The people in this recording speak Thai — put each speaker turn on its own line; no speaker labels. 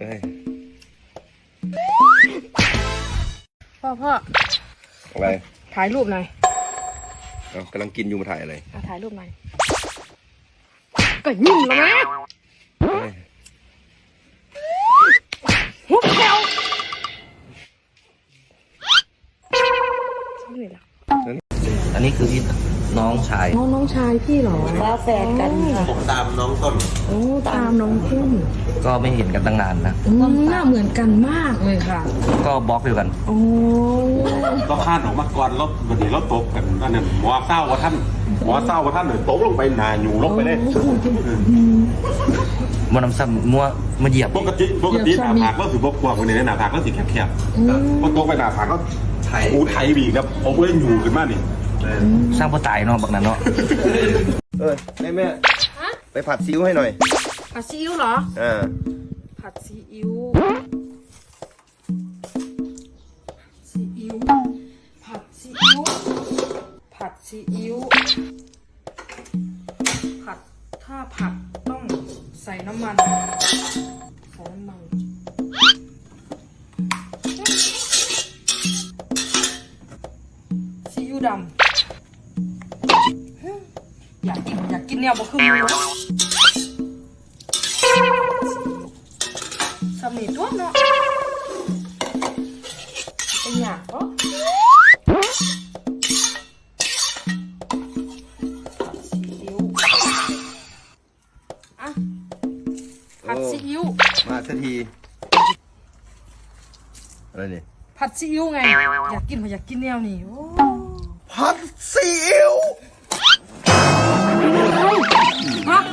พ่อ
อะไร
ถ่ายรูปหน่อย
กำลังกินอยู่มาถ่ายอะไร
ถ่ายรูปหน่อยก็ยิ้มแล้วนะหัวแถว
อันนี้คือพี่น้องชาย
น้องชายพี่เหรอ
ฟ้าแฝดกันค่ะ
ผมตามน้องต้น
โอ้ตามน้องต้น
ก็ไม่เห็นกันตั้งนานนะ
หน้าเหมือนกันมากเลยค่ะ
ก็บล็อกอยู่กัน
โอ้
เราข้านออกมาก่อนแล้ววันนี้เราตกกันนั่นน่ะหมอเศร้าว่าท่านเลยตกลงไปหนาอยู่ลงไปเลย
มันนำซ้ำมัวมาเหยียบ
ปกติหน้าผากก็ถือบกกว้างวันนี้หน้าผากก็สีแคบๆพอตกไปหน้าผากก็ไถบีครับผมก็เลยอยู่ขึ้นมานี่
สร้างพ่อตายเนาะบักนั้นเนาะ
แม่ไปผัดซีอิ๊วให้หน่อย
ผัดซีอิ๊วเหรอผัดซีอิ๊วผัดซีอิ๊วผัดถ้าผัดต้องใส่น้ำมันซีอิ๊วดำอยากกินเนี่ยบ่คือมือสำนีตัวเนาะเป็นอยากก็ซีอิ๊วผัดซีอิ๊ว
มาสักทีอะไรนี่
ผัดซีอิ๊วไงอยากกินแนวนี้
ผัดซีอิ๊ว
ฮะ